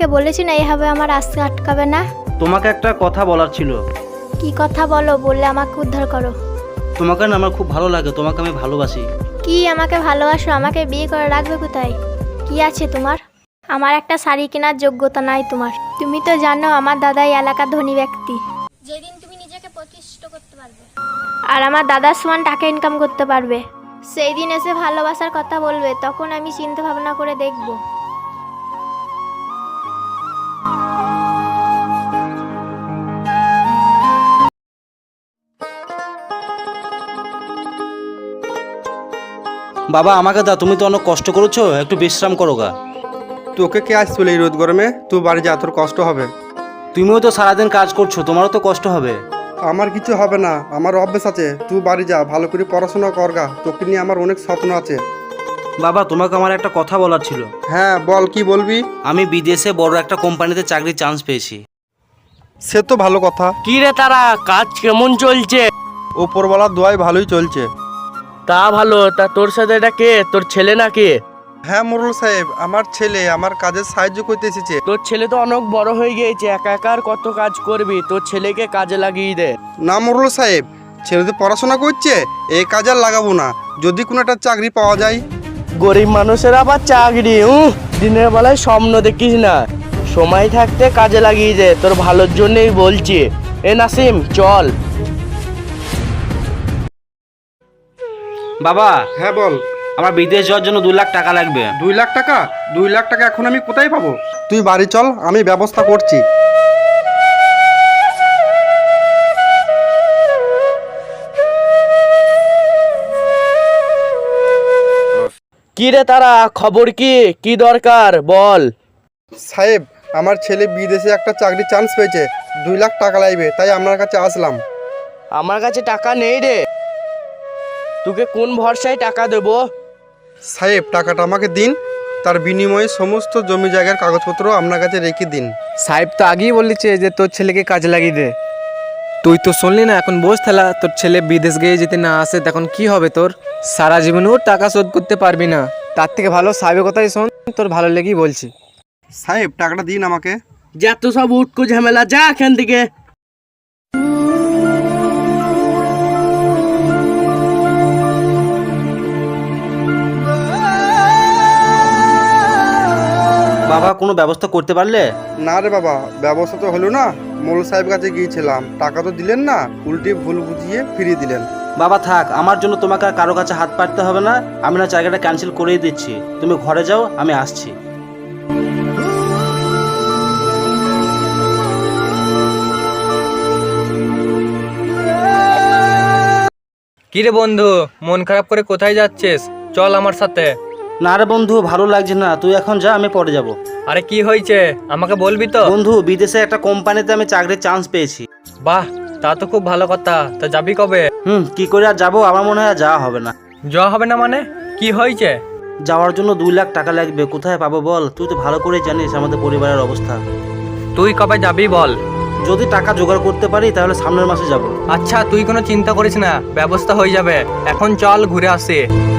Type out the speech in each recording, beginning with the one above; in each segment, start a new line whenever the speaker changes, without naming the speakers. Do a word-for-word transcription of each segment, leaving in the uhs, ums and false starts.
তোমাকে বলেছি না এইভাবে আমার আসতে আটকাবে না।
তোমাকে একটা কথা বলার ছিল।
কি কথা বলো, বললে আমাকে উদ্ধার করো।
তোমাকে না আমার খুব ভালো লাগে, তোমাকে আমি ভালোবাসি।
কি আমাকে ভালোবাসো? আমাকে বিয়ে করে রাখবে কোথায়? কি আছে তোমার? আমার একটা শাড়ি কেনার যোগ্যতা নাই তোমার। তুমি তো জানো আমার দাদা এই এলাকার ধনী ব্যক্তি। যেদিন তুমি নিজেকে প্রতিষ্ঠিত করতে পারবে আর আমার দাদার সমান টাকা ইনকাম করতে পারবে, সেই দিন এসে ভালোবাসার কথা বলবে, তখন আমি চিন্তা ভাবনা করে দেখব।
বাবা আমাকে দাও, তুমি তো অনেক কষ্ট করেছো, একটু বিশ্রাম করো গা।
তোকে কে আসছিল এই রোদ গরমে? তুই বাড়ি যা, তোর কষ্ট হবে।
তুমিও তো সারাদিন কাজ করছো, তোমারও তো কষ্ট হবে।
আমার কিছু হবে না, আমার অভ্যেস আছে। তুই বাড়ি যা, ভালো করে পড়াশোনা করগা। তোকে নিয়ে আমার অনেক স্বপ্ন আছে।
বাবা তোমাকে আমার একটা কথা বলার ছিল।
হ্যাঁ বল, কি বলবি?
আমি বিদেশে বড় একটা কোম্পানিতে চাকরির চান্স পেয়েছি।
সে তো ভালো কথা।
কি রে তারা, কাজ কেমন চলছে?
ওপরওয়ালার দোয়াই ভালোই চলছে।
তা ভালো। তা তোর সাথে এটা কে? তোর ছেলে নাকি?
হ্যাঁ মোরল সাহেব, আমার ছেলে আমার কাজে সাহায্য করতে এসেছে।
তোর ছেলে তো অনেক বড় হয়ে গিয়েছে, একা একা আর কত কাজ করবি? তোর ছেলেকে কাজে লাগিয়ে দে।
না মোরল সাহেব, ছেলে তো পড়াশোনা করছে, এই কাজ আর লাগাবো না। যদি কোনো একটা চাকরি পাওয়া যায়।
গরিব মানুষের আবার চাকরি? উহ, দিনের বেলায় স্বপ্ন দেখিস না, সময় থাকতে কাজে লাগিয়ে দে, তোর ভালোর জন্যই বলছি। এ নাসিম চল।
বাবা
হ্যাঁ বল।
আমার বিদেশ যাওয়ার জন্য দুই লাখ টাকা লাগবে।
দুই লাখ টাকা? দুই লাখ টাকা এখন আমি কোথায় পাবো? তুই বাড়ি চল, আমি ব্যবস্থা করছি।
কি রে তারা, খবর কি? কি দরকার বল।
সাহেব, আমার ছেলে বিদেশে একটা চাকরি চান্স পেয়েছে, দুই লাখ টাকা লাগবে, তাই আপনার কাছে আসলাম।
আমার কাছে টাকা নেই রে, তোকে কোন ভরসায় টাকা দেবো?
সাহেব টাকাটা আমাকে দিন, তার বিনিময়ে সমস্ত জমি জায়গার কাগজপত্র আপনার কাছে রেখে দিন।
সাহেব তো আগেই বলেছে যে তোর ছেলেকে কাজে লাগিয়ে দে। তুই তো শুনলি না, এখন বোঝ থালা, তোর ছেলে বিদেশ গিয়ে যদি না আসে তখন কি হবে তোর? সারা জীবনেও টাকা শোধ করতে পারবি না। তার থেকে ভালো সাহেবের কথাই শোন, তোর ভালো লেগেই বলছি।
সাহেব টাকাটা দিন আমাকে।
যা তো সব উটকো ঝামেলা, যা এখান থেকে।
বাবা কোনো ব্যবস্থা করতে পারলে?
না রে বাবা, ব্যবস্থা তো হলো না। মোল সাহেব কাছে গিয়েছিলাম, টাকা তো দিলেন না, উল্টে ভুল বুঝিয়ে ফিরিয়ে দিলেন।
বাবা থাক, আমার জন্য তোমাকে আর কারো কাছে হাত পাততে হবে না। আমি না জায়গাটা ক্যান্সেল করেই দিচ্ছি, তুমি ঘরে যাও, আমি আসছি।
কি রে বন্ধু, মন খারাপ করে কোথায় যাচ্ছিস? চল আমার সাথে।
না রে বন্ধু, ভালো লাগছে না, তুই এখন যা, আমি পরে যাব।
আরে কি হয়েছে আমাকে বলবি তো?
বন্ধু বিদেশে একটা কোম্পানিতে আমি চাকরির চান্স পেয়েছি।
বাহ, তা তো খুব ভালো কথা। তা যাবি কবে?
হুম কি করে আর যাবো, আমার মনে হয় আর যাওয়া হবে না।
যাওয়া হবে না মানে? কি হয়েছে?
যাওয়ার জন্য দুই লাখ টাকা লাগবে, কোথায় পাবো বল? তুই তো ভালো করে জানিস আমাদের পরিবারের অবস্থা।
তুই কবে যাবি বল?
যদি টাকা জোগাড় করতে পারি তাহলে সামনের মাসে যাব।
আচ্ছা তুই কোনো চিন্তা করিস না, ব্যবস্থা হয়ে যাবে। এখন চল ঘুরে আসি।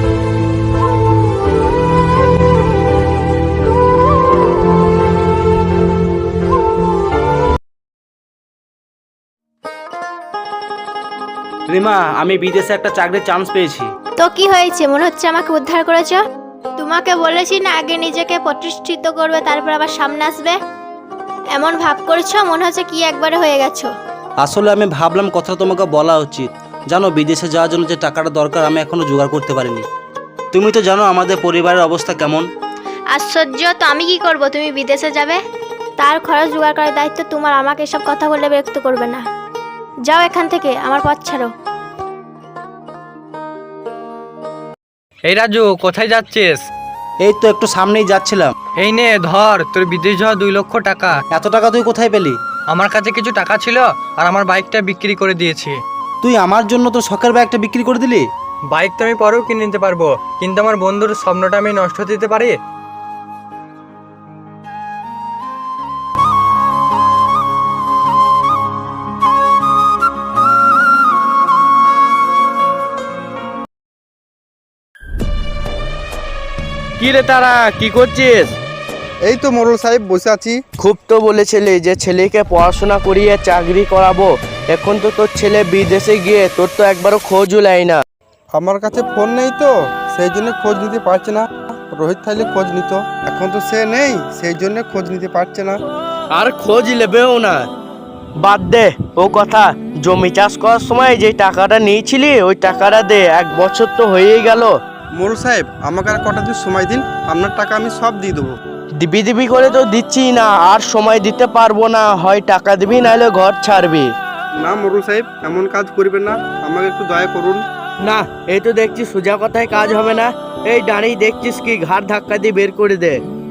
রিমা, আমি বিদেশে একটা চাকরির চান্স পেয়েছি।
তো কি হয়েছে? মনে হচ্ছে আমাকে উদ্ধার করেছো। তোমাকে বলেছি না আগে নিজেকে প্রতিষ্ঠিত করবে, তারপর আবার সামনে আসবে। এমন ভাব করছো, মনে হচ্ছে কি একবারে হয়ে গেছো।
আসলে আমি ভাবলাম কথা তোমাকে বলা উচিত। জানো বিদেশে যাওয়ার জন্য যে টাকাটা দরকার আমি এখনো জোগাড় করতে পারিনি। তুমি তো জানো আমাদের পরিবারের অবস্থা কেমন।
আশ্চর্য, তো আমি কি করব? তুমি বিদেশে যাবে, তার খরচ জোগাড় করার দায়িত্ব তোমার। আমাকে এসব কথা বলে বিরক্ত করবে না। যাও এখান থেকে, আমার পথ ছাড়ো।
এই রাজু, কোথায় যাচ্ছিস?
এই তো একটু সামনেই যাচ্ছিলাম।
এই নে ধর, তোর বিদেশ যাওয়া দুই লক্ষ টাকা।
এত টাকা তুই কোথায় পেলি?
আমার কাছে কিছু টাকা ছিল আর আমার বাইকটা বিক্রি করে দিয়েছি।
তুই আমার জন্য তো শখের ব্যাগটা বিক্রি করে দিলি?
বাইক তো আমি পরেও কিনে নিতে পারবো, কিন্তু আমার বন্ধুর স্বপ্নটা আমি নষ্ট হতে দিতে পারি?
কি রে তারা, কি করছিস?
এই তো মোড়ল সাহেব বসে আছি।
খুব তো বলেছিলি যে ছেলেকে পড়াশোনা করিয়ে চাকরি করাবো, এখন তো তোর ছেলে বিদেশে গিয়ে তোর তো একবারও খোঁজও নেয় না।
আমার কাছে ফোন নেই তো, সেই জন্য খোঁজ নিতে পারছে না। রোহিত থাইলে খোঁজ নিত, এখন তো সে নেই, সেই জন্য খোঁজ নিতে পারছে না।
আর খোঁজ নেবেও না। বাদ দে ও কথা, জমি চাষ করার সময় যে টাকাটা নিয়েছিলি ওই টাকাটা দে, এক বছর তো হয়েই গেল।
মোড়ল সাহেব আমাকে আর কটা দিন সময় দিন, আপনার টাকা আমি সব দিয়ে দেবো।
দিবি দিবি করে তো দিচ্ছি না, আর সময় দিতে পারবো না, হয় টাকা দিবি নাহলে ঘর ছাড়বি।
না মোড়ল সাহেব এমন কাজ করবেন না, আমাকে একটু দয়া করুন।
না এই তো দেখছি সোজা কথায় কাজ হবে না। এই দাঁড়িয়ে দেখছিস কি, ঘাড় ধাক্কা দিয়ে বের করে দে।